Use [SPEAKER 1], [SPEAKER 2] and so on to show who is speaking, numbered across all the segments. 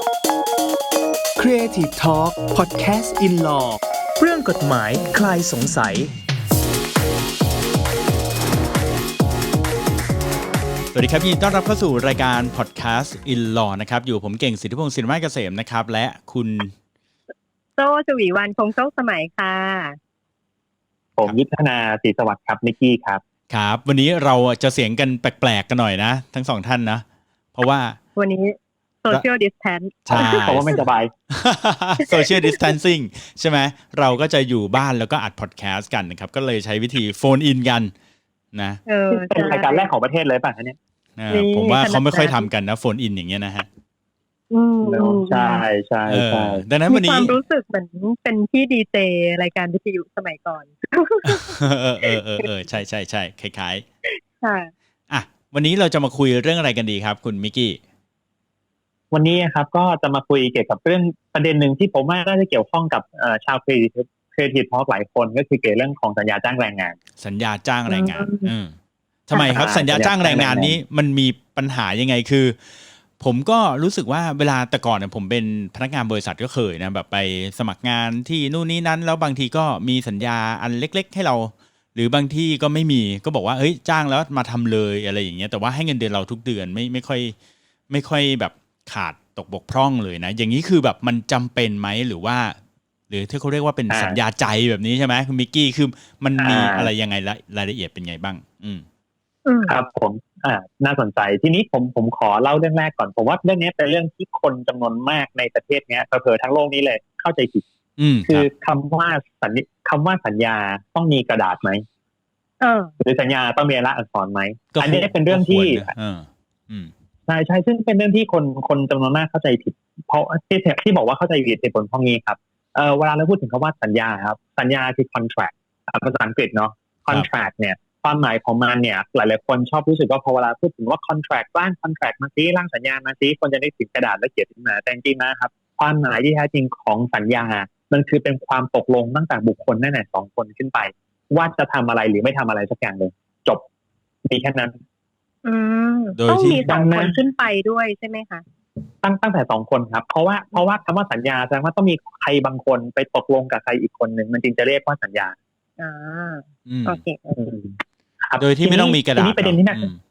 [SPEAKER 1] Creative Talk Podcast in Law เรื่องกฎหมายคลายสงสัย
[SPEAKER 2] สวัสดีครับยินดีต้อนรับเข้าสู่รายการ Podcast in Law นะครับอยู่ผมเก่งสิทธิพงศ์สินไม้เกษมนะครับและคุณ
[SPEAKER 3] โจ้ชวีวรรณคงโชคสมัยค่ะ
[SPEAKER 4] ผมยุทธนาศรีสวัสดิ์ครับนิกกี้ครับ
[SPEAKER 2] ครับวันนี้เราจะเสียงกันแปลกๆกันหน่อยนะทั้งสองท่านนะเพราะว่า
[SPEAKER 3] วันนี้ Social Distance
[SPEAKER 2] ใช่
[SPEAKER 4] เพราะว่าไม่สบาย
[SPEAKER 2] Social Distancing ใช่ไหมเราก็จะอยู่บ้านแล้วก็อัดพอดแคสต์กันนะครับก็เลยใช้วิธีโฟนอินกันนะ
[SPEAKER 4] เป็นรายการแรกของประเทศเลยป่ะเนี่ย
[SPEAKER 2] ผมว่าเขาไม่ค่อยทำกันนะโฟนอินอย่างเงี้ยนะฮะ
[SPEAKER 4] ใช่ใช่ใช่
[SPEAKER 2] ดังนั้นวันนี้
[SPEAKER 3] ความรู้สึกเหมือนเป็นพี่ดีเจรายการวิทยุสมัยก่อน
[SPEAKER 2] ใช่ใช่ใช่คล้าย
[SPEAKER 3] ๆค่ะ
[SPEAKER 2] วันนี้เราจะมาคุยเรื่องอะไรกันดีครับคุณมิกกี้
[SPEAKER 4] วันนี้ครับก็จะมาคุยเกี่ยวกับเรื่องประเด็นหนึ่งที่ผมว่าน่าจะเกี่ยวข้องกับชาวCreative Talk หลายคนก็คือเกี่ยวเรื่องของสัญญาจ้างแรงงาน
[SPEAKER 2] สัญญาจ้างแรงงานทำไมครับสัญญาจ้างแรงงานนี้มันมีปัญหายังไงคือผมก็รู้สึกว่าเวลาแต่ก่อนเนี่ยผมเป็นพนักงานบริษัทก็เคยนะแบบไปสมัครงานที่นู่นนี่นั้นแล้วบางทีก็มีสัญญาอันเล็กๆให้เราหรือบางที่ก็ไม่มีก็บอกว่าเฮ้ยจ้างแล้วมาทำเลยอะไรอย่างเงี้ยแต่ว่าให้เงินเดือนเราทุกเดือนไม่ค่อยแบบขาดตกบกพร่องเลยนะอย่างนี้คือแบบมันจำเป็นไหมหรือที่เขาเรียกว่าเป็นสัญญาใจแบบนี้ใช่ไหมคุณมิกกี้คือมันมีอะไรยังไงรายละเอียดเป็นไงบ้าง
[SPEAKER 4] ครับผมน่าสนใจทีนี้ผมขอเล่าเรื่องแรกก่อนผมว่าเรื่องนี้เป็นเรื่องที่คนจำนวนมากในประเทศนี้เผลอๆทั้งโลกนี้เลยเข้าใจผิดคือคำว่าสัญญาต้องมีกระดาษไหมหรือสัญญาต้องมีลายลักษณ์อักษรไหมอันนี้เป็นเรื่องที่ใช่ซึ่งเป็นเรื่องที่คนจำนวนมากเข้าใจผิดเพราะที่บอกว่าเข้าใจผิดเหตุผลเพราะงี้ครับเวลาเราพูดถึงคำว่าสัญญาครับสัญญาคือ contract ภาษาอังกฤษเนาะ contract เนี่ยความหมายของมันเนี่ยหลายๆคนชอบรู้สึกว่าพอเวลาพูดถึงว่า contract ร่าง contract มาซิร่างสัญญามาซิคนจะนึกถึงกระดาษและเขียนขึ้นมาแต่จริงๆนะครับความหมายที่แท้จริงของสัญญามันคือเป็นความตกลงตั้งแต่บุคคลนั่นแหละ2คนขึ้นไปว่าจะทำอะไรหรือไม่ทำอะไรสักอย่างหนึ่งจบมีแค่นั้น
[SPEAKER 3] ต้องมี2คนขึ้นไปด้วยใช่ไหมคะ
[SPEAKER 4] ตั้งแต่2คนครับเพราะว่าคำว่าสัญญาแสดงว่าต้องมีใครบางคนไปตกลงกับใครอีกคนหนึ่งมันจึงจะเรียกว่าสัญญา
[SPEAKER 3] โอเค
[SPEAKER 2] โดยที่ไม่ต้องมีกระดาษ
[SPEAKER 4] ทีนี้ประเด็น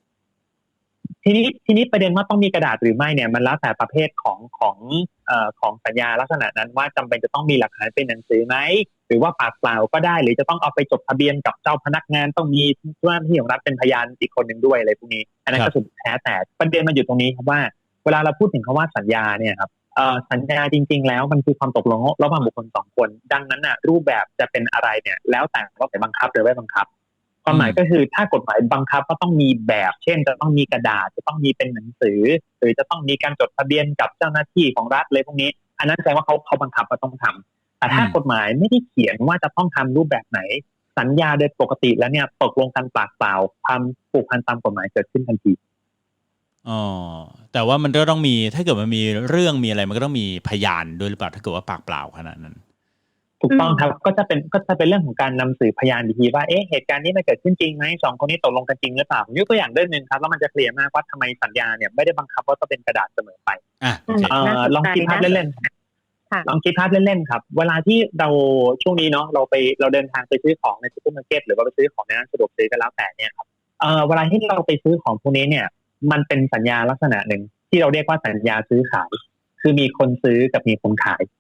[SPEAKER 4] ว่าต้องมีกระดาษหรือไม่เนี่ยมันแล้วแต่ประเภทของสัญญาลักษณะนั้นว่าจำเป็นจะต้องมีหลักฐานเป็นหนังสือไหมหรือว่าปากเปล่าก็ได้หรือจะต้องเอาไปจดทะเบียนกับเจ้าพนักงานต้องมีเจ้าหน้าที่ของรัฐเป็นพยานอีกคนหนึ่งด้วยอะไรพวกนี้อันนั้นก็สุดแท้แต่ประเด็นมันอยู่ตรงนี้ครับว่าเวลาเราพูดถึงคำว่าสัญญาเนี่ยครับสัญญาจริงๆแล้วมันคือความตกลงระหว่างบุคคล2คนดังนั้นน่ะรูปแบบจะเป็นอะไรเนี่ยแล้วแต่ว่าจะบังคับหรือไม่บังคับความหมายก็คือถ้ากฎหมายบังคับก็ต้องมีแบบเช่นจะต้องมีกระดาษจะต้องมีเป็นหนังสือหรือจะต้องมีการจดทะเบียนกับเจ้าหน้าที่ของรัฐอะไรพวกนี้อันนั้นแสดงว่าเขาบังคับว่าต้องทำแต่ถ้ากฎหมายไม่ได้เขียนว่าจะต้องทำรูปแบบไหนสัญญาโดยปกติแล้วเนี่ยตกลงกันปากเปล่าความผูกพันตามกฎหมายเกิดขึ้นทันที
[SPEAKER 2] แต่ว่ามันก็ต้องมีถ้าเกิดมันมีเรื่องมีอะไรมันก็ต้องมีพยานด้วยหรือเปล่าถ้าเกิดว่าปากเปล่าขนาดนั้น
[SPEAKER 4] ถูกต้องครับก็จะเป็นเรื่องของการนำสืบพยานดีว่าเหตุการณ์นี้มันเกิดขึ้นจริงไหม2คนนี้ตกลงกันจริงหรือเปล่ายกตัวอย่างเรื่องนึงครับแล้วมันจะเคลียร์มากว่าทำไมสัญญาเนี่ยไม่ได้บังคับว่าต้องเป็นกระดาษเสมอไปลองคิดภาพเล่นๆลองคิดภาพเล่นๆครับเวลาที่เราช่วงนี้เนาะเราเดินทางไปซื้อของในซูเปอร์มาร์เก็ตหรือว่าไปซื้อของในร้านสะดวกซื้อก็แล้วแต่เนี่ยครับเวลาที่เราไปซื้อของพวกนี้เนี่ยมันเป็นสัญญาลักษณะหนึ่งที่เราเรียกว่าสัญญาซื้อขายคือมีคนซื้อกับมีคนขาย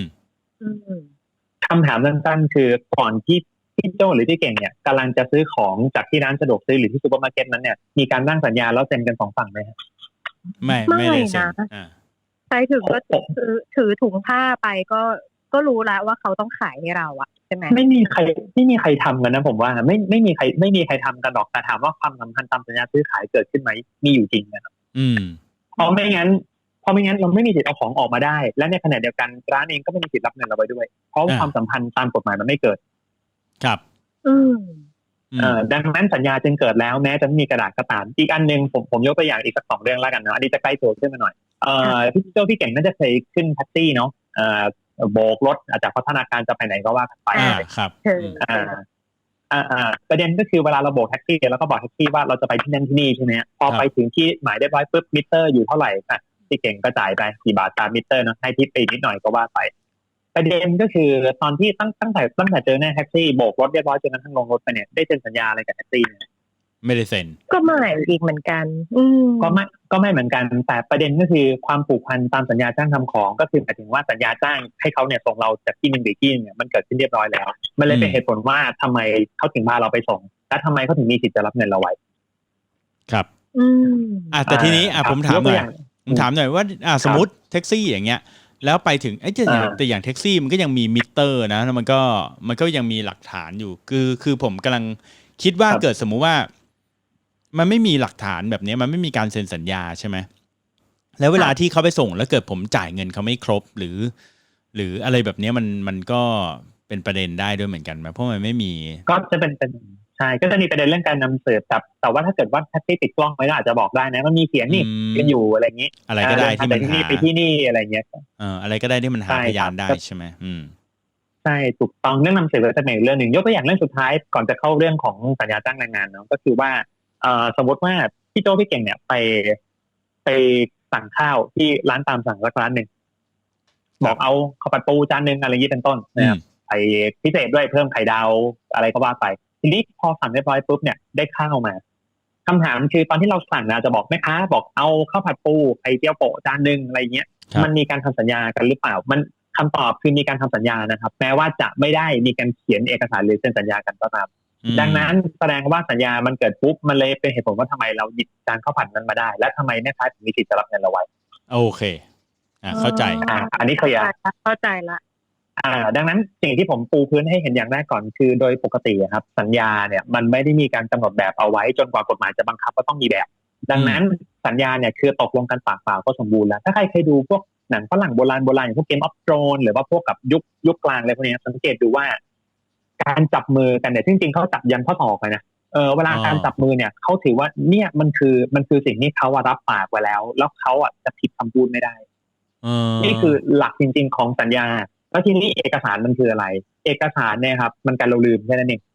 [SPEAKER 4] คำถามสั้นๆคือก่อนที่พี่โจ้หรือพี่เก่งเนี่ยกำลังจะซื้อของจากที่ร้านสะดวกซื้อหรือที่ซูเปอร์มาร์เก็ตนั้นเนี่ยมีการร่างสัญญาแล้วเซ็นกัน2ฝั่งไหมครับ
[SPEAKER 2] ไม่เลยนะ
[SPEAKER 3] ใครถึงก็ถือถุงผ้าไปก็รู้แล้วว่าเขาต้องขายให้เราอะใช่ไหม
[SPEAKER 4] ไม่มีใครทำกันนะผมว่าไม่มีใครทำกันหรอกแต่ถามว่าความสัมพันธ์ตามสัญญาซื้อขายเกิดขึ้นไหมมีอยู่จริงนะครับเพราะไม่งั้นเราไม่มีสิทธิ์เอาของออกมาได้และในขณะเดียวกันร้านเองก็ไม่มีสิทธิ์รับเงินเราไปด้วยเพราะความสัมพันธ์ตามกฎหมายมันไม่เกิด
[SPEAKER 2] ครับ
[SPEAKER 4] ดังนั้นสัญญาจึงเกิดแล้วแม้จะไม่มีกระดาษก็ตามอีกอันนึงผมยกตัวอย่างอีกสัก2เรื่องแล้วกันเนาะอันนี้จะใกล้ตัวขึ้นมาหน่อยพี่เก่งน่าจะเคยขึ้นแท็กซี่เนาะโบกรถจากพัฒนาการจะไปไหนก็ว่ากันไป
[SPEAKER 2] ครับ
[SPEAKER 4] ประเด็นก็คือเวลาเราโบกแท็กซี่แล้วก็บอกแท็กซี่ว่าเราจะไปที่นั่นที่นี่ใช่ไหมพอไปถึงที่หมายเรียบร้อยปุ๊บมิเตอร์อยู่เท่าไหร่ที่เก่งก็จ่ายไปกี่บาทตามมิเตอร์เนาะให้ทิปไปนิดหน่อยก็ว่าไปประเด็นก็คือตอนที่ตั้งแต่เจอหน้าแท็กซี่โบกรถเรียบร้อยจนกระทั่งลงรถไปเนี่ยได้เซ็นสัญญาอะไรกับแท็กซี่ไหม
[SPEAKER 2] ไม่ได้เซ็น
[SPEAKER 3] ก็ไม่อีกเหมือนกัน
[SPEAKER 4] ก็ไม่เหมือนกันแต่ประเด็นก็คือความผูกพันตามสัญญาจ้างทำของก็คือหมายถึงว่าสัญญาจ้างให้เขาเนี่ยส่งเราจากที่หนึ่งไปที่เนี่ยมันเกิดขึ้นเรียบร้อยแล้วมันเลยเป็นเหตุผลว่าทำไมเขาถึงพาเราไปส่งและทำไมเขาถึงมีสิทธิ์จะรับเงินเราไว้
[SPEAKER 2] ครับแต่ทีนี้ผมถามหน่อยว่าสมมติแท็กซี่อย่างเงี้ยแล้วไปถึงแต่อย่างแท็กซี่มันก็ยังมีมิเตอร์นะแล้วมันก็ยังมีหลักฐานอยู่คือผมกำลังคิดว่าเกิดสมมุติว่ามันไม่มีหลักฐานแบบนี้มันไม่มีการเซ็นสัญญาใช่ไหมแล้วเวลาที่เขาไปส่งแล้วเกิดผมจ่ายเงินเขาไม่ครบหรืออะไรแบบนี้มันก็เป็นประเด็นได้ด้วยเหมือนกันไหมเพราะมันไม่มี
[SPEAKER 4] ก็จะเป็นใช่ก็จะมีประเด็นเรื่องการนำเสิร์ฟแต่ว่าถ้าเกิดว่าแท็กซี่ติดกล้องไว้ก็อาจจะบอกได้นะมันมีเขียนนี่กันอยู่อะไรอย่างนี้
[SPEAKER 2] อะไรก็ได้ที่มันหา
[SPEAKER 4] ไปที่นี่อะไรเงี้ย
[SPEAKER 2] อะไรก็ได้ที่มันหาพยานได้ใช่ไหม
[SPEAKER 4] ใช่ถูกต้องเรื่องนำเสิร์ฟจะเป็นอีกเรื่องหนึ่งยกตัวอย่างเรื่องสุดท้ายก่อนจะเข้าเรื่องของสัญญาจ้างแรงงานเนาะก็คือว่าสมมติว่าพี่โจ้พี่เก่งเนี่ยไปสั่งข้าวที่ร้านตามสั่งสักร้านหนึ่งบอกเอาข้าวผัดปูจานนึงอะไรอย่างนี้เป็นต้นนะครับไข่พิเศษด้วยเพิ่มไข่ดาวอะไรก็ว่าไปทีนี้พอสั่งเรียบร้อยปุ๊บเนี่ยได้ข้าวมาคำถามคือตอนที่เราสั่งนะจะบอกแม่ค้าบอกเอาข้าวผัดปูไข่เจียวโปะจานนึงอะไรเงี้ยมันมีการทำสัญญากันหรือเปล่ามันคำตอบคือมีการทำสัญญานะครับแม้ว่าจะไม่ได้มีการเขียนเอกสารหรือเซ็นสัญญากันก็ตามดังนั้นแสดงว่าสัญญามันเกิดปุ๊บมันเลยเป็นเหตุผลว่าทำไมเราหยิบจานข้าวผัดนั้นมาได้และทำไมแม่ค้าถึงมีสิทธิ์จะรับเงินเราไว้
[SPEAKER 2] โอเคเข้าใจ
[SPEAKER 4] อันนี้เคลียร์
[SPEAKER 3] เข้าใจละ
[SPEAKER 4] ดังนั้นสิ่งที่ผมปูพื้นให้เห็นอย่างแรกก่อนคือโดยปกติครับสัญญาเนี่ยมันไม่ได้มีการกำหนดแบบเอาไว้จนกว่ากฎหมายจะบังคับว่าต้องมีแบบดังนั้นสัญญาเนี่ยคือตกลงกันปากเปล่าก็สมบูรณ์แล้วถ้าใครเคยดูพวกหนังฝรั่งโบราณอย่างพวกเกมออฟโธรนหรือว่าพวกกับยุคกลางอะไรพวกนี้สังเกตดูว่าการจับมือกันเนี่ยจริงๆเขาจับยันข้อศอกเลยนะเวลาการจับมือเนี่ยเขาถือว่าเนี่ยมันคือสิ่งที่เขารับปากไว้แล้วเขาจะผิดคำพูดไม่ได้นี่คือหลักจริงๆของสัญญาแล้วทีนี้เอกสารมันคืออะไรเอกสารเนี่ยครับมันการเราลืมแค่นั้นเอง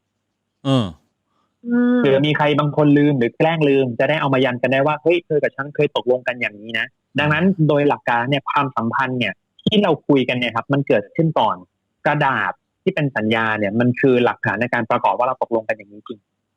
[SPEAKER 4] หรือมีใครบางคนลืมหรือแกล้งลืมจะได้เอามายันกันได้ว่าเฮ้ยเธอกับฉันเคยตกลงกันอย่างนี้นะดังนั้นโดยหลักการเนี่ยความสัมพันธ์เนี่ยที่เราคุยกันเนี่ยครับมันเกิดขึ้นก่อนกระดาษที่เป็นสัญญาเนี่ยมันคือหลักฐานในการประกอบว่าเราตกลงกันอย่างนี้จริง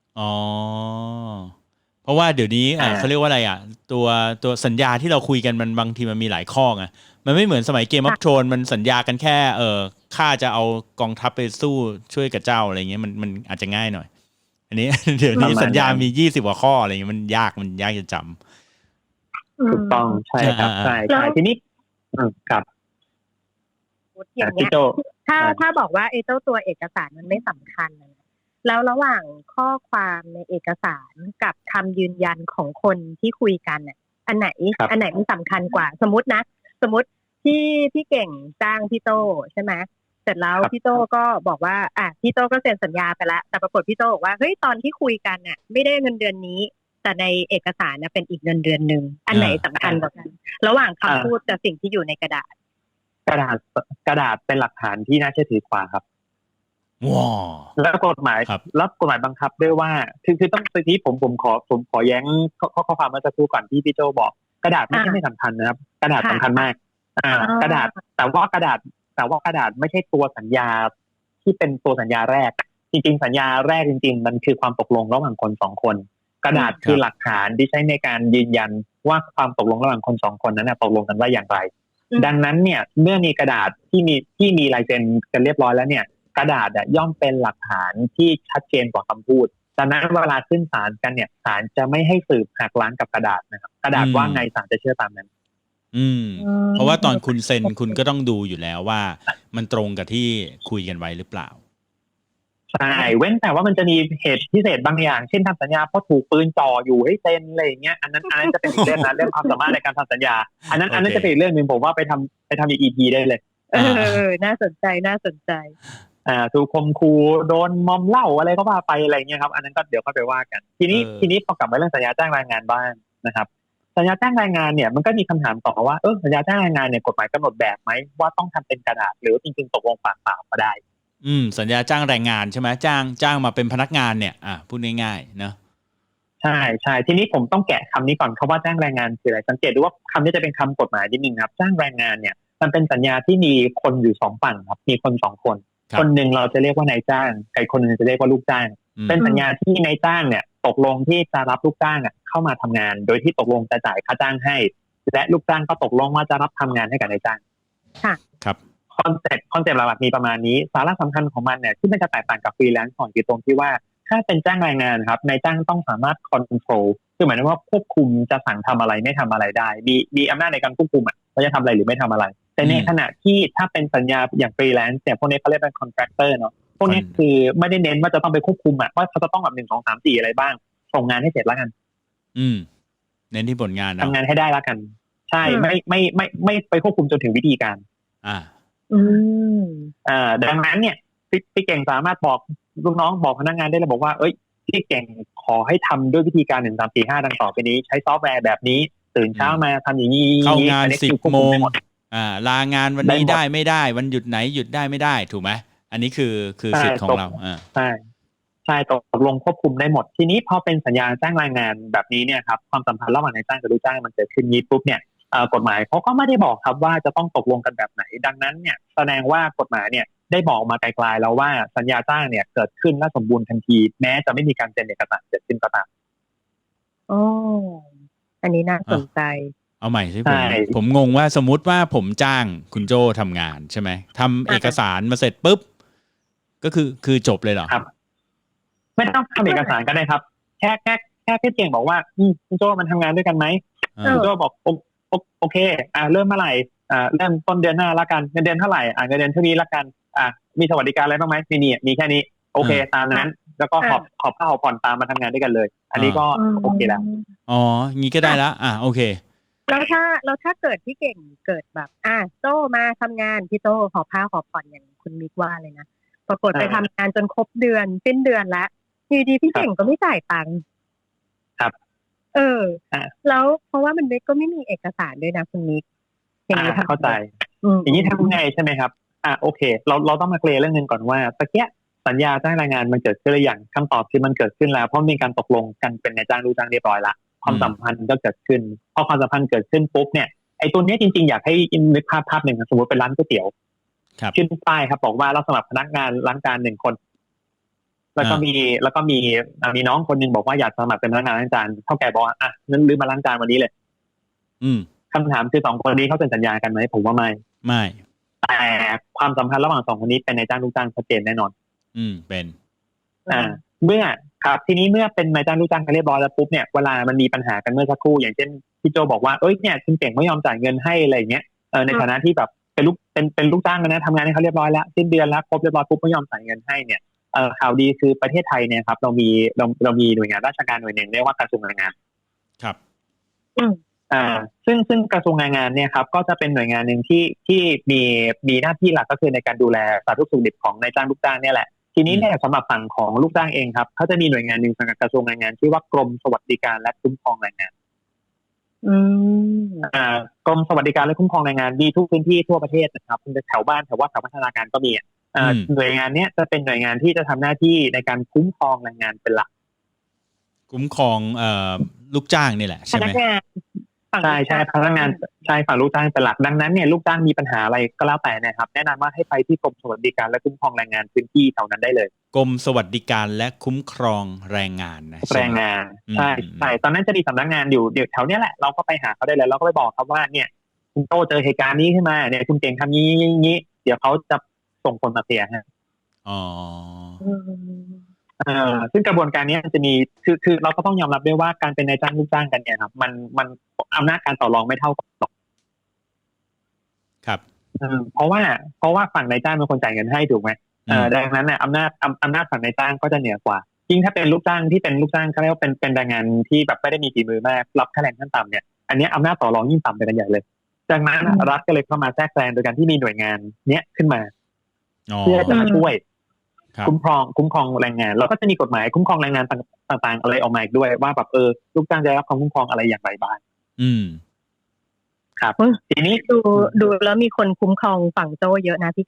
[SPEAKER 2] เพราะว่าเดี๋ยวนี้เขาเรียกว่าอะไรตัวสัญญาที่เราคุยกันมันบางทีมันมีหลายข้อไงมันไม่เหมือนสมัยเกมออฟโธรนมันสัญญากันแค่ข้าจะเอากองทัพไปสู้ช่วยกับเจ้าอะไรเงี้ยมันอาจจะง่ายหน่อยอันนี้เดี๋ยวนี้สัญญามี20 กว่าข้ออะไรเงี้ยมันยากจะจ
[SPEAKER 4] ำถูกต้องใช่ครับใช่ทีนี้ครับ
[SPEAKER 3] อย่างเงี้ยถ้าบอกว่าไอ้เจ้าตัวเอกสารมันไม่สำคัญแล้วระหว่างข้อความในเอกสารกับคำยืนยันของคนที่คุยกันเนี่ยอันไหนมันสำคัญกว่าสมมติที่พี่เก่งจ้างพี่โตใช่ไหมเสร็จแล้วพี่โตก็บอกว่าพี่โตก็เซ็นสัญญาไปแล้วแต่ปรากฏพี่โตบอกว่าเฮ้ยตอนที่คุยกันเนี่ยไม่ได้เงินเดือนนี้แต่ในเอกสารนะเป็นอีกเงินเดือนนึงอันไหนสำคัญกว่ากันระหว่างคำพูดกับสิ่งที่อยู่ในกระดาษ
[SPEAKER 4] เป็นหลักฐานที่น่าเชื่อถือกว่าครับแล้วกฎหมายบังคับด้วยว่าคือต้องที่ผมขอแย้งข้อความเมื่อสักครู่ก่อนที่พี่โจบอกกระดาษไม่สำคัญนะครับกระดาษสำคัญมากกระดาษแต่ว่ากระดาษไม่ใช่ตัวสัญญาที่เป็นตัวสัญญาแรกจริงๆสัญญาแรกจริงๆมันคือความตกลงระหว่างคน2คนกระดาษคือหลักฐานที่ใช้ในการยืนยันว่าความตกลงระหว่างคน2คนนั้นตกลงกันว่าอย่างไรดังนั้นเนี่ยเมื่อมีกระดาษที่มีลายเซ็นกันเรียบร้อยแล้วเนี่ยกระดาษย่อมเป็นหลักฐานที่ชัดเจนกว่าคำพูดดังนั้นเวลาขึ้นศาลกันเนี่ยศาลจะไม่ให้สืบหักล้างกับกระดาษนะครับกระดาษว่าไงศาลจะเชื่อตามนั้น
[SPEAKER 2] เพราะว่าตอนคุณเซ็นคุณก็ต้องดูอยู่แล้วว่ามันตรงกับที่คุยกันไว้หรือเปล่า
[SPEAKER 4] ใช่เว้นแต่ว่ามันจะมีเหตุพิเศษบางอย่างเช่นทำสัญญาเพราะถูกปืนจ่ออยู่ให้เซ็นอะไรอย่างเงี้ยอันนั้นจะเป็นอีกเรื่องนะเรื่องความสามารถในการทำสัญญาอันนั้นจะเป็นอีกเรื่องนึงผมว่าไปทำอีก EP ได้เลย
[SPEAKER 3] น่าสนใจ
[SPEAKER 4] ถูกข่มขู่โดนมอมเหล้าอะไรก็ว่าไปอะไรเงี้ยครับอันนั้นก็เดี๋ยวค่อยไปว่ากันทีนี้พอกลับมาเรื่องสัญญาจ้างแรงงานบ้างนะครับสัญญาจ้างแรงงานเนี่ยมันก็มีคำถามต่อว่าสัญญาจ้างแรงงานเนี่ยกฎหมายกำหนดแบบไหมว่าต้องทำเป็นกระดาษหรือจริงๆตกลงปากเปล่าก็ได้
[SPEAKER 2] สัญญาจ้างแรงงานใช่ไหมจ้างมาเป็นพนักงานเนี่ยพูดง่ายๆเนาะ
[SPEAKER 4] ใใช่ใช่ทีนี้ผมต้องแกะคำนี้ก่อนคำว่าจ้างแรงงานคืออะไรสังเกตดูว่าคำนี้จะเป็นคำกฎหมายนิดนึงครับจ้างแรงงานเนี่ยมันเป็นสัญญาที่มีคนอยู่สองฝั่งครับมีคนสองคนคนหนึ่งเราจะเรียกว่านายจ้างอีกคนหนึ่งจะเรียกว่าลูกจ้างเป็นสัญญาที่นายจ้างเนี่ยตกลงที่จะรับลูกจ้างเข้ามาทำงานโดยที่ตกลงจะจ่ายค่าจ้างให้และลูกจ้างก็ตกลงว่าจะรับทำงานให้กับนายจ้าง
[SPEAKER 3] ค่ะ
[SPEAKER 4] ครับคอนเซ็ปต์หลักๆมีประมาณนี้สาระสำคัญของมันเนี่ยที่มันจะแตกต่างกับฟรีแลนซ์ของอยู่ตรงที่ว่าถ้าเป็นจ้างแรงงานครับนายจ้างต้องสามารถคอนโทรลคือหมายถึงว่าควบคุมจะสั่งทำอะไรไม่ทำอะไรได้มีอำนาจในการควบคุมว่าจะทำอะไรหรือไม่ทำอะไรแต่ในขณะที่ถ้าเป็นสัญญาอย่างฟรีแลนซ์เนี่ยพวกนี้เขาเรียกเป็นคอนแทรคเตอร์เนาะพวกนี้คือไม่ได้เน้นว่าจะต้องไปควบคุมว่าเขาจะต้องแบบ1 2 3 4อะไรบ้างส่งงานให้เสร็จแล้วกัน
[SPEAKER 2] เน้นที่ผลงาน
[SPEAKER 4] ทำงานให้ได้แล้วกันใช่ไม่ไปควบคุมจนถึงวิธีการดังนั้นเนี่ยพี่เก่งสามารถบอกลูกน้องบอกพนักงานได้เลยบอกว่าเอ้ยพี่เก่งขอให้ทำด้วยวิธีการ1 3 4 5ดังต่อไปนี้ใช้ซอฟต์แวร์แบบนี้ตื่นเช้ามาทำอย่างนี้
[SPEAKER 2] เข้างาน10 โมงลางานวันนี้ได้ไม่ได้วันหยุดไหนหยุดได้ไม่ได้ถูกไหมอันนี้คือสิทธิ์ของเรา
[SPEAKER 4] ใช่ตกลงควบคุมได้หมดทีนี้พอเป็นสัญญาจ้างแรงงานแบบนี้เนี่ยครับความสัมพันธ์ระหว่างนายจ้างกับลูกจ้างมันเกิดขึ้นนี้ปุ๊บเนี่ยกฎหมายเขาก็ไม่ได้บอกครับว่าจะต้องตกลงกันแบบไหนดังนั้นเนี่ยแสดงว่ากฎหมายเนี่ยได้บอกมาไกลๆแล้วว่าสัญญาจ้างเนี่ยเกิดขึ้นและสมบูรณ์ทันทีแม้จะไม่มีการเซ็นเอกสารเกิดขึ้นก็ตาม
[SPEAKER 3] อันนี้น่าสนใจ
[SPEAKER 2] เอาใหม่สิผมงงว่าสมมุติว่าผมจ้างคุณโจทำงานใช่ไหมทำเอกสารมาเสร็จปุ๊บก็คือจบเลยเหรอ
[SPEAKER 4] ครับไม่ต้องทำเอกสารก็ได้ครับแค่พี่เก่งบอกว่าคุณโจมันทำงานด้วยกันไหมคุณโจบอกโอเคเริ่มเมื่อไหร่เริ่มต้นเดือนหน้าละกันเงินเดือนเท่าไหร่เงินเดือนเท่านี้ละกันมีสวัสดิการอะไรบ้างไหมมีแค่นี้โอเคตามนั้นแล้วก็ขอผ้าขอผ่อนตามมาทำงานด้วยกันเลยอันนี้ก็โอเคแล้ว
[SPEAKER 2] งี้ก็ได้ละโอเค
[SPEAKER 3] แล้วถ้าเกิดพี่เก่งเกิดแบบโจมาทำงานพี่โจขอผ้าขอผ่อนอย่างคุณมิกว่าเลยนะปรากฏไปทำงานจนครบเดือนสิ้นเดือนแล้วอยู่ดีพี่เก่งก็ไม่จ่ายตังค์
[SPEAKER 4] ครับ
[SPEAKER 3] แล้วเพราะว่ามันก็ไม่มีเอกสารด้วยนะคุณมิก
[SPEAKER 4] อย่างนี้เข้าใจอย่างนี้ทำไงใช่ไหมครับโอเคเราต้องมาเคลียร์เรื่องนึงก่อนว่าตะเกียสัญญาจ้างแรงงานมันเกิดขึ้นหรือยังคำตอบคือมันเกิดขึ้นแล้วเพราะมีการตกลงกันเป็นนายจ้างลูกจ้างเรียบร้อยละความสัมพันธ์ก็เกิดขึ้นพอความสัมพันธ์เกิดขึ้นปุ๊บเนี่ยไอ้ตัวนี้จริงๆอยากให้นึกภาพหนึ่งสมมติเป็นร้านก๋วยเตี๋ยวขึ้นป้ายครับบอกว่าเราสมัครพนักงานล้างจาน1 คนแล้วก็มีน้องคนนึงบอกว่าอยากสมัครเป็นพนักงานล้างจานเท่าแก่บอกว่านั้นลืมมาล้างจานวันนี้เลยคำถามคือ2 คนนี้เขาเป็นสัญญากันไหมผมว่าไม่แต่ความสัมพันธ์ระหว่าง2 คนนี้เป็นนายจ้างลูกจ้างชัดเจนแน่นอน
[SPEAKER 2] เป็น
[SPEAKER 4] เมื่อครับทีนี้เมื่อเป็นนายจ้างลูกจ้างกันเรียบร้อยแล้วปุ๊บเนี่ยเวลามันมีปัญหากันเมื่อสักครู่อย่างเช่นพี่โจบอกว่าเนี่ยคุณเก่งไม่ยอมจ่ายเงินให้อะไรอย่างเงี้ยในฐานะที่แบบเป็นลูกจ้างกันนะทำงานให้เขาเรียบร้อยแล้วสิ้นเดือนแล้วครบเรียบร้อยปุ๊บไม่ยอมจ่ายเงินให้เนี่ยข่าวดีคือประเทศไทยเนี่ยครับเรามีหน่วยงานราชการหน่วยหนึ่งเรียกว่ากระทรวงแรงงาน
[SPEAKER 2] ครับ
[SPEAKER 4] ซึ่งกระทรวงแรงงานเนี่ยครับก็จะเป็นหน่วยงานหนึ่งที่มีหน้าที่หลักก็คือในการดูแลสาธารณสุขดิบของนายจ้างลูกจ้างเนี่ยแหละทีนี้เนี่ยสำหรับฝั่งของลูกจ้างเองครับเขาจะมีหน่วยงานหนึ่งสังกัดกระทรวงแรงงานชื่อว่ากรมสวัสดิการและคุ้มครองแรงงานกรมสวัสดิการและคุ้มครองแรงงานมีทุกพื้นที่ทั่วประเทศนะครับแถวบ้านแถววัดแถวพัฒนาการก็มีหน่วยงานนี้จะเป็นหน่วยงานที่จะทำหน้าที่ในการคุ้มครองแรงงานเป็นหลัก
[SPEAKER 2] คุ้มครองลูกจ้างนี่แหละใช่ไหม
[SPEAKER 4] ใช่พนักงานใช่ฝั่งลูกจ้างเป็นหลักดังนั้นเนี่ยลูกจ้างมีปัญหาอะไรก็แล้วแต่นะครับแนะนำว่าให้ไปที่กรมสวัสดิการและคุ้มครองแรงงานพื้นที่แถวนั้นได้เลย
[SPEAKER 2] กรมสวัสดิการและคุ้มครองแรงงานนะ
[SPEAKER 4] แรงงานใช่ตอนนั้นจะมีสำนักงานอยู่เดี๋ยวแถวนี้แหละเราก็ไปหาเขาได้เลยเราก็ไปบอกครับว่าเนี่ยคุณโตเจอเหตุการณ์นี้ขึ้นมาเนี่ยคุณเก่งทำนี้เดี๋ยวเขาจะส่งคนมาเคลียร์ฮะซึ่งกระบวนการนี้จะมีคือเราก็ต้องยอมรับด้วยว่าการเป็นนายจ้างลูกจ้างกันเนี่ยครับมันอำนาจการต่อรองไม่เท่ากันหรอก
[SPEAKER 2] ครับ
[SPEAKER 4] เพราะว่าฝั่งนายจ้างเป็นคนจ่ายเงินให้ถูกไหมดังนั้นเนี่ยอำนาจฝั่งนายจ้างก็จะเหนือกว่ายิ่งถ้าเป็นลูกจ้างที่เป็นลูกจ้างเขาเรียกว่าเป็นแรงงานที่แบบไม่ได้มีฝีมือมากรับค่าแรงขั้นต่ำเนี่ยอันนี้อำนาจต่อรองยิ่งต่ำไปกันใหญ่เลยดังนั้นรัฐก็เลยเข้ามาแทรกแซงโดยการที่มีหน่วยงานเนี้ยขึ้นมาเพื่อจะมาช่วยคุ้มครองแรงงานเราก็จะมีกฎหมายคุ้มครองแรงงานต่างๆอะไรออกมาอีกด้วยว่าแบบลูกจ้างจะได้รับความคุ้มครองอะไรอย่างไรบ้างครับทีนี้
[SPEAKER 3] ดูแล้วมีคนคุ้มครองฝั่งโจเยอะนะพี่เก่ง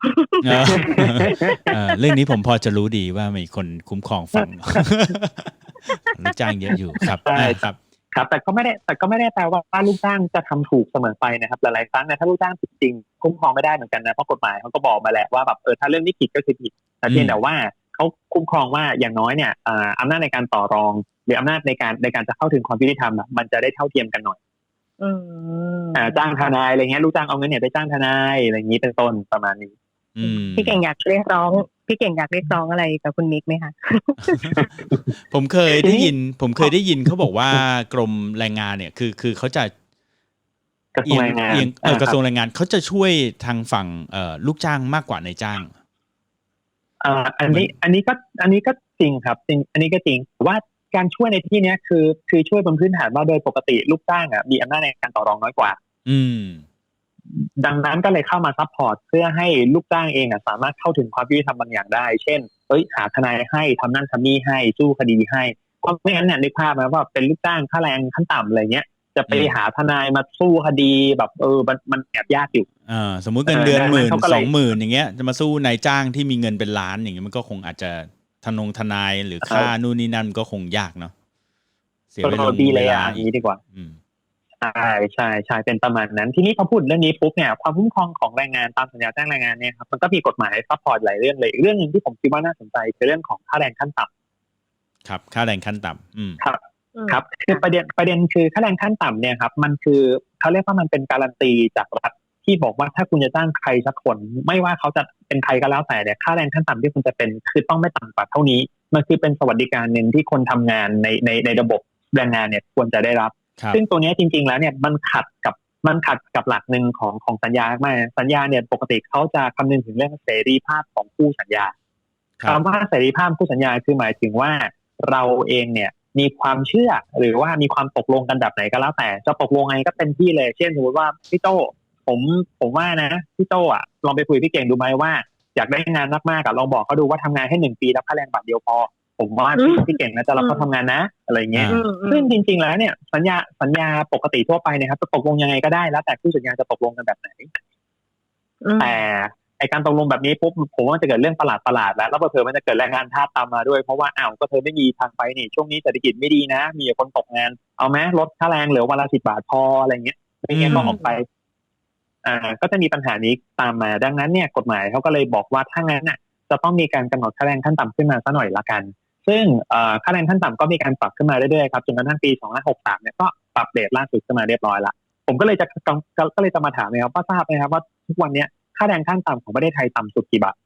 [SPEAKER 2] เรื่องนี้ผมพอจะรู้ดีว่ามีคนคุ้มครองฟังลูกจ้างเยอะอยู่ครับครับ
[SPEAKER 4] ครับแต่ก็ไม่ได้แปลว่าลูกจ้างจะทำถูกเสมอไปนะครับหลายๆครั้งเนี่ยถ้าลูกจ้างผิดจริงคุ้มครองไม่ได้เหมือนกันนะเพราะกฎหมายเขาก็บอกมาแหละว่าแบบถ้าเรื่องนี้ผิดก็คือผิดแต่เพียงแต่ว่าเขาคุ้มครองว่าอย่างน้อยเนี่ยอำนาจในการต่อรองหรืออำนาจในการจะเข้าถึงความยุติธรรมมันจะได้เท่าเทียมกันหน่อยจ้างทนายอะไรเงี้ยลูกจ้างเอาเงินเนี่ยไปจ้างทนายอะไรอย่างนี้เป็นต้นประมาณนี้
[SPEAKER 3] พี่เก่งอยากเรียกร้องอะไรกับคุณมิกไหมคะ
[SPEAKER 2] ผมเคยได้ยินเขาบอกว่ากรมแรงงานเนี่ยคือเขาจะ
[SPEAKER 4] กระทรวงแรงงาน
[SPEAKER 2] กระทรวงแรงงานเขาจะช่วยทางฝั่งลูกจ้างมากกว่านายจ้าง
[SPEAKER 4] อันนี้ก็จริงครับจริงอันนี้ก็จริงว่าการช่วยในที่นี้คือช่วยบนพื้นฐานว่าโดยปกติลูกจ้างมีอำนาจในการต่อรองน้อยกว่าดังนั้นก็เลยเข้ามาซัพพอร์ตเพื่อให้ลูกจ้างเองสามารถเข้าถึงความยุติธรรมบางอย่างได้เช่นหาทนายให้ทำนั่นทำนี่ให้สู้คดีให้เพราะไม่งั้นเนี่ยนึกภาพนะว่าเป็นลูกจ้างค่าแรงขั้นต่ำอะไรเงี้ยจะไปหาทนายมาสู้คดีแบบมันแอบยากอยู่
[SPEAKER 2] สมมุติเงินเดือน10,000-20,000อย่างเงี้ยจะมาสู้นายจ้างที่มีเงินเป็นล้านอย่างเงี้ยมันก็คงอาจจะทนายหรือค่านู่นนี่นั่นก็คงยากเนาะ
[SPEAKER 4] เสียเวลาอย่างนี้ดีกว่าใช่เป็นประมาณนั้นทีนี้พอพูดเรื่องนี้ปุ๊บเนี่ยความคุ้มครองของแรงงานตามสัญญาจ้างแรงงานเนี่ยครับมันก็มีกฎหมายซัพพอร์ตหลายเรื่องเลยเรื่องนึงที่ผมคิดว่าน่าสนใจคือเรื่องของค่าแรงขั้นต่
[SPEAKER 2] ำครับค่าแรงขั้นต่
[SPEAKER 4] ำครับคือประเด็นคือค่าแรงขั้นต่ำเนี่ยครับมันคือเขาเรียกว่ามันเป็นการันตีจากรัฐที่บอกว่าถ้าคุณจะจ้างใครสักคนไม่ว่าเขาจะเป็นใครก็แล้วแต่เนี่ยค่าแรงขั้นต่ำที่คุณจะเป็นคือต้องไม่ต่ำกว่าเท่านี้มันคือเป็นสวัสดิการนึงที่คนทำงานในระบบแรงงานเนี่ยควรจะได้รับซึ่งตัวนี้จริงๆแล้วเนี่ยมันขัดกับหลักหนึ่งของสัญญามากสัญญาเนี่ยปกติเขาจะคำนึงถึงเรื่องเสรีภาพของคู่สัญญาคำว่าเสรีภาพคู่สัญญาคือหมายถึงว่าเราเองเนี่ยมีความเชื่อหรือว่ามีความตกลงกันแบบไหนก็แล้วแต่จะตกลงไงก็เป็นที่เลยเช่นสมมติว่าพี่โต้ผมว่านะพี่โต้ลองไปคุยพี่เก่งดูไหมว่าอยากได้งานมากๆลองบอกเขาดูว่าทำงานให้1 ปีแล้วค่าแรงบาทเดียวพอผมว่าพี่เก่งนะจะรับเขาทำงานนะอะไรเงี้ยซึ่งจริงๆแล้วเนี่ยสัญญาปกติทั่วไปนะครับจะตกลงยังไงก็ได้แล้วแต่คู่สัญญาจะตกลงกันแบบไหนแต่ไอการตกลงแบบนี้ปุ๊บผมว่ามันจะเกิดเรื่องประหลาดแล้วเผลอๆมันจะเกิดแรงงานทาสตามมาด้วยเพราะว่าก็เธอไม่มีทางไปนี่ช่วงนี้เศรษฐกิจไม่ดีนะมีคนตกงานเอาไหมลดค่าแรงเหลือวันละ10 บาทพออะไรเงี้ยไม่งั้นก็ออกไปก็จะมีปัญหานี้ตามมาดังนั้นเนี่ยกฎหมายเขาก็เลยบอกว่าถ้างั้นน่ะจะต้องมีการกำหนดค่าแรงขั้นต่ำขึ้นมาซะหน่อยละกันซึ่งค่าแรงขั้นต่ำก็มีการปรับขึ้นมาเรื่อยๆครับจนกระทั่งปี2563เนี่ยก็ปรับเรทล่าสุดขึ้นมาเรียบร้อยละผมก็เลยจะมาถามนะครับว่าทราบไหมครับว่าทุกวันนี้ค่าแรงขั้นต่ำของประเทศไทยต่ำสุดกี่บาท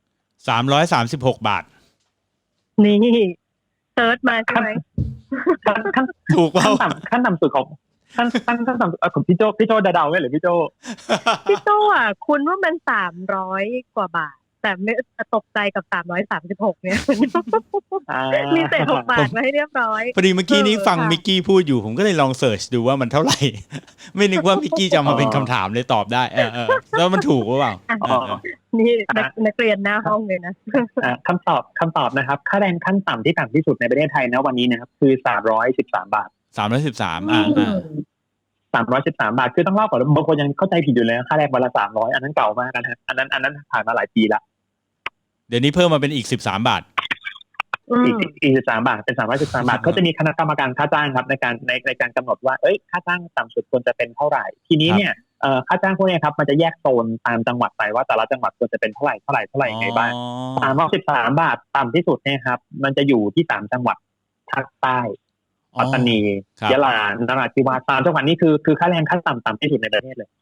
[SPEAKER 2] 336 บาท
[SPEAKER 3] นี่เซิร์ชมาใช่ไหม
[SPEAKER 2] ถูกเปล่า
[SPEAKER 4] ขั้นต่ำสุดของขั้นต่ำของพี่โจเดาไว้หรือพี่โจ
[SPEAKER 3] คุณว่ามัน300 กว่าบาทแต่ไม่ตกใจกับ336เนี่ยมีเศษ6 บาทมาให้เรียบร้อย
[SPEAKER 2] พอดีเมื่อกี้นี้ฟังมิกกี้พูดอยู่ผมก็เลยลองเสิร์ชดูว่ามันเท่าไหร่ไม่นึกว่ามิกกี้จะมาเป็นคำถามเลยตอบได้แล้วมันถูกหรือเปล่า
[SPEAKER 3] นี่นักเรียนหน้าห้องเลยนะ
[SPEAKER 4] คำตอบนะครับค่าแรงขั้นต่ำที่ต่ำที่สุดในประเทศไทยนะวันนี้นะครับคือ313 บาท313 บาทคือต้องเล่าก่อนบางคนยังเข้าใจผิดอยู่เลยค่าแรงวันละ300อันนั้นเก่ามากนะอันนั้นผ่านมาหลายปีละ
[SPEAKER 2] เดี๋ยวนี้เพิ่มมาเป็นอีก13 บาท
[SPEAKER 4] อีก13 บาทเป็น313 บาทเขาจะมีคณะกรรมการค่าจ้างครับในการกำหนดว่าค่าจ้างต่ำสุดควรจะเป็นเท่าไหร่ทีนี้เนี่ยค่าจ้างพวกนี้ครับมันจะแยกโซนตามจังหวัดไปว่าแต่ละจังหวัดควรจะเป็นเท่าไหร่ยังไงบ้าง313 บาทต่ำที่สุดเนี่ยครับมันจะอยู่ที่3 จังหวัดภาคใต้ปัตตานียะลานราธิวาส3 จังหวัดนี้คือค่าแรงขั้นต่ำที่สุดในประเทศเลย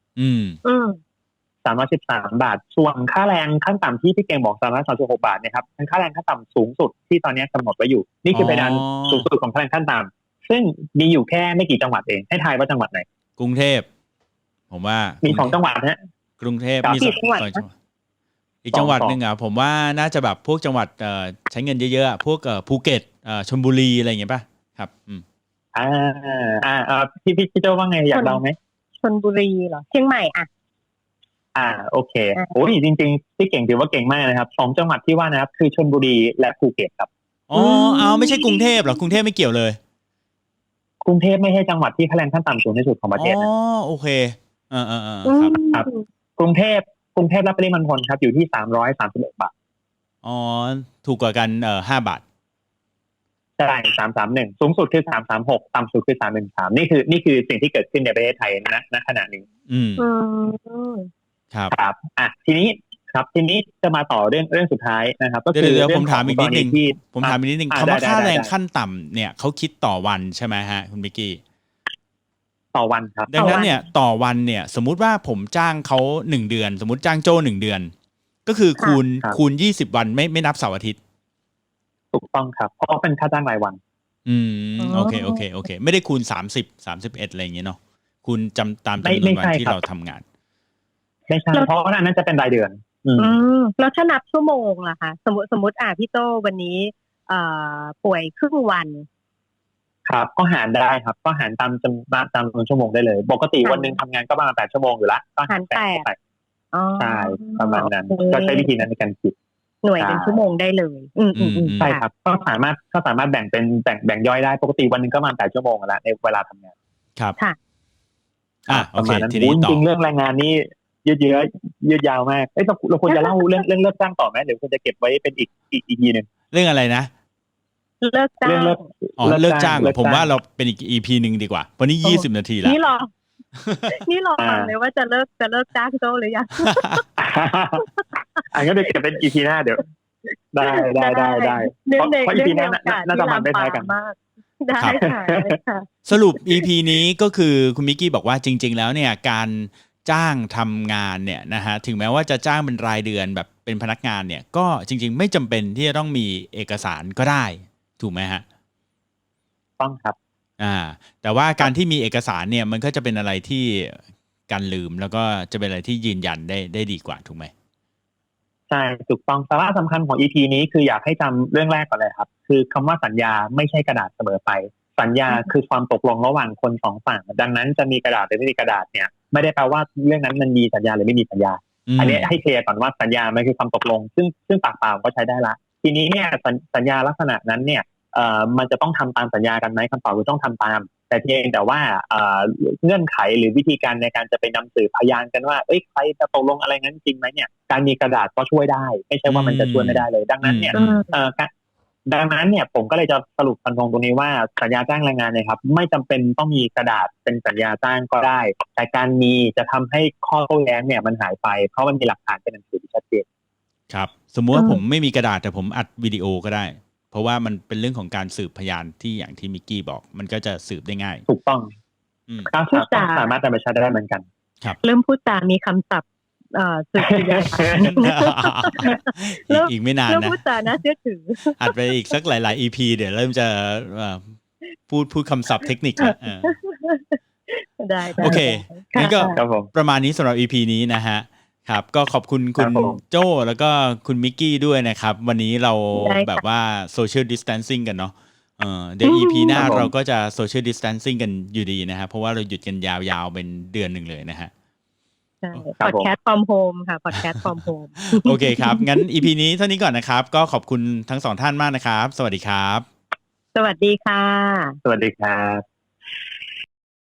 [SPEAKER 4] 313 บาทส่วนค่าแรงขั้นต่ำที่พี่เก่งบอก336 บาทเนี่ยครับเป็นค่าแรงขั้นต่ำสูงสุดที่ตอนนี้กำหนดไว้อยู่นี่คือเพดานสูงสุดของค่าแรงขั้นต่ำซึ่งมีอยู่แค่ไม่กี่จังหวัดเองให้ทายว่าจังหวัดไหน
[SPEAKER 2] กรุงเทพผมว่า
[SPEAKER 4] มี2 จังหวัดนะ
[SPEAKER 2] กรุงเทพมี2 จังหวัดอีกจังหวัดนึงผมว่าน่าจะแบบพวกจังหวัดใช้เงินเยอะๆพวกภูเก็ตชลบุรีอะไรอย่างเงี้ยป่ะครับ
[SPEAKER 4] พี่โจว่าไงอยากเดาไหม
[SPEAKER 3] ชลบุรีเหรอเชียงใหม่
[SPEAKER 4] โอเคโอ้ยจริงๆพี่เก่งถือว่าเก่งมากนะครับ2 จังหวัดที่ว่านะครับคือชลบุรีและภูเก็ตครับ
[SPEAKER 2] ไม่ใช่กรุงเทพหรอกรุงเทพไม่เกี่ยวเลย
[SPEAKER 4] กรุงเทพไม่ใช่จังหวัดที่ค่าแรงขั้นต่ำสูงที่สุดของประเทศนะ
[SPEAKER 2] โอเค
[SPEAKER 4] ครับกรุงเทพกรุงเทพและปริมณฑลครับอยู่ที่331 บาท
[SPEAKER 2] อ๋อถูกกว่ากัน5 บาท
[SPEAKER 4] ใช่331สูงสุดคือ336ต่ำสุดคือ313นี่คือสิ่งที่เกิดขึ้นในประเทศไทยณขณะนี้ครับทีนี้จะมาต่อเรื่องสุดท้ายนะครับก็คือ
[SPEAKER 2] เดี๋ยวผมถามอีกนิดนึงคำว่าค่าแรงขั้นต่ำเนี่ยเขาคิดต่อวันใช่ไหมฮะคุณมิกกี้
[SPEAKER 4] ต่อวันครับ
[SPEAKER 2] ดังนั้นเนี่ยต่อวันเนี่ยสมมุติว่าผมจ้างเขา1 เดือนสมมุติจ้างโจ้1 เดือนก็คือคูณ20 วันไม่นับเสาร์อาทิตย์
[SPEAKER 4] ถูกต้องครับเพราะเป็นค่าจ้างรายวัน
[SPEAKER 2] โอเคไม่ได้คูณ30 31อะไรอย่างเงี้ยเนาะคูณตามจำนวนวันที่เราทำงาน
[SPEAKER 4] ไม่ใช่เพราะว่านั้นจะเป็นรายเดือน
[SPEAKER 3] แล้วถ้านับชั่วโมงล่ะคะสมมติพี่โตวันนี้ป่วยครึ่งวัน
[SPEAKER 4] ครับก็หารได้ครับก็หารตามจำนวนชั่วโมงได้เลยปกติวันนึงทำงานก็ประมาณ8 ชั่วโมงอยู่ละก็
[SPEAKER 3] หาร8
[SPEAKER 4] ใช่ประมาณนั้นก็ใช้วิธีนั้นในการคิด
[SPEAKER 3] หน่วยเป็นชั่วโมงได้เลย
[SPEAKER 4] ใช่ครับก็สามารถแบ่งเป็นแบ่งย่อยได้ปกติวันนึงก็ประมาณ8 ชั่วโมงแล้วในเวลาทำงาน
[SPEAKER 2] ครับ
[SPEAKER 3] ค่ะ
[SPEAKER 2] โอเคทีนี้
[SPEAKER 4] จริงเรื่องแรงงานนี่ยืดยาวมากเราควรจะเล่าเรื่องเลิกจ้างต่อไหมหรือควรจะเก็บไว้เป็นอีกทีนึง
[SPEAKER 2] เรื่องอะไรนะ
[SPEAKER 3] เลิกจ้าง
[SPEAKER 2] เลิกจ้างผมว่าเราเป็นอีก EP นึงดีกว่าวันนี้20 นาทีแล้ว
[SPEAKER 3] นี่รอฟังเลยว่าจะเลิกจ้างโตหรือยัง
[SPEAKER 4] อันก็เดี๋ยวเก็บเป็น EP หน้าเดี๋ยวได้เพราะ EP หน้าน่าจะมันได้ท้ายกัน
[SPEAKER 3] ได้ค่ะ
[SPEAKER 2] สรุป EP นี้ก็คือคุณมิกกี้บอกว่าจริงๆแล้วเนี่ยการจ้างทำงานเนี่ยนะฮะถึงแม้ว่าจะจ้างเป็นรายเดือนแบบเป็นพนักงานเนี่ยก็จริงๆไม่จำเป็นที่จะต้องมีเอกสารก็ได้ถูกไหมฮะ
[SPEAKER 4] ต้องครับ
[SPEAKER 2] แต่ว่าการที่มีเอกสารเนี่ยมันก็จะเป็นอะไรที่การลืมแล้วก็จะเป็นอะไรที่ยืนยันได้ดีกว่าถูกไหม
[SPEAKER 4] ใช่ถูกต้องสาระสำคัญของ EP นี้คืออยากให้จำเรื่องแรกก่อนเลยครับคือคำว่าสัญญาไม่ใช่กระดาษเสมอไปสัญญาคือความตกลงระหว่างคน2 ฝั่งดังนั้นจะมีกระดาษหรือไม่มีกระดาษเนี่ยไม่ได้แปลว่าเรื่องนั้นมันมีสัญญาหรือไม่มีสัญญาอันนี้ให้เคลียร์ก่อนว่าสัญญามันคือความตกลงซึ่งปากเปล่าก็ใช้ได้ละทีนี้เนี่ยสัญญาลักษณะนั้นเนี่ยมันจะต้องทำตามสัญญากันไหมคำตอบคือต้องทำตามแต่เพียงแต่ว่าเงื่อนไขหรือวิธีการในการจะไปนำสืบพยานกันว่าใครจะตกลงอะไรงั้นจริงไหมเนี่ยการมีกระดาษก็ช่วยได้ไม่ใช่ว่ามันจะช่วยไม่ได้เลยดังนั้นเนี่ยผมก็เลยจะสรุปฟันธงตรงนี้ว่าสัญญาจ้างแรงงานเนี่ยครับไม่จำเป็นต้องมีกระดาษเป็นสัญญาจ้างก็ได้แต่การมีจะทำให้ข้อโต้แย้งเนี่ยมันหายไปเพราะมันมีหลักฐานเป็นหนังสือที่ชัดเจน
[SPEAKER 2] ครับสมมุติว่าผมไม่มีกระดาษแต่ผมอัดวิดีโอก็ได้เพราะว่ามันเป็นเรื่องของการสืบพยานที่อย่างที่มิกกี้บอกมันก็จะสืบได้ง่าย
[SPEAKER 4] ถูกต้องพูดจาสามารถนำไปใช้ได้เหมือนกัน
[SPEAKER 2] ครับ
[SPEAKER 3] เริ่มพูดจามีคำศัพท์สืบพยาน
[SPEAKER 2] อีกไม่นานนะ
[SPEAKER 3] เริ่มพูดจาน่าเชื่อถือ
[SPEAKER 2] อัดไปอีกสักหลายๆ EP เดี๋ยวเริ่มจะพูดคำศัพท์เทคนิคแล้ว
[SPEAKER 3] ได้
[SPEAKER 2] โอเคงั้นก็ประมาณนี้สำหรับ EP นี้นะฮะครับก็ขอบคุณคุณโจ้แล้วก็คุณมิกกี้ด้วยนะครับวันนี้เราแบบว่า social distancing กันเนาะเดี๋ยว EP หน้าเราก็จะ social distancing กันอยู่ดีนะฮะเพราะว่าเราหยุดกันยาวๆเป็นเดือนนึงเลยนะฮะ
[SPEAKER 3] พอดแคสต์ from home ค่ะพอดแคสต์ from home
[SPEAKER 2] โอเคครับงั้น EP นี้เท่านี้ก่อนนะครับก็ขอบคุณทั้ง2 ท่านมากนะครับสวัสดีครับ
[SPEAKER 3] สวัสดีค่ะ
[SPEAKER 4] สวัสดีครับ